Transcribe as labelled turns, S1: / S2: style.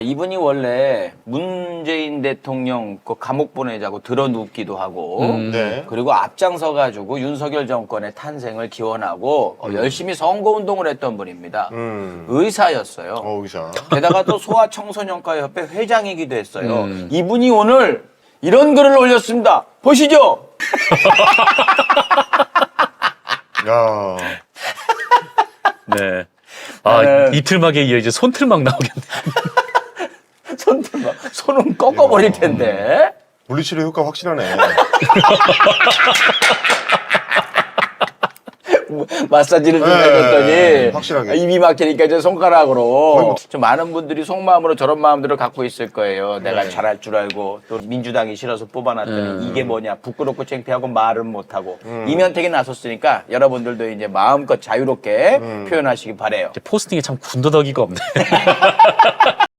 S1: 이분이 원래 문재인 대통령 그 감옥 보내자고 들어눕기도 하고
S2: 네.
S1: 그리고 앞장서 가지고 윤석열 정권의 탄생을 기원하고 열심히 선거운동을 했던 분입니다. 의사였어요.
S2: 의사.
S1: 게다가 또 소아청소년과 협회 회장이기도 했어요. 이분이 오늘 이런 글을 올렸습니다. 보시죠.
S2: 야.
S3: 네. 아, 이틀막에 이어 이제 손틀막 나오겠네.
S1: 손은 꺾어버릴 텐데.
S2: 물리치료 효과 확실하네.
S1: 마사지를 좀
S2: 네,
S1: 해줬더니
S2: 확실하게.
S1: 입이 막히니까 이제 손가락으로
S2: 뭐-
S1: 좀 많은 분들이 속마음으로 저런 마음들을 갖고 있을 거예요. 내가 잘할 줄 알고 또 민주당이 싫어서 뽑아놨더니 이게 뭐냐 부끄럽고 창피하고 말은 못하고 이면택이 나섰으니까 여러분들도 이제 마음껏 자유롭게 표현하시기 바래요.
S3: 포스팅에 참 군더더기가 없네.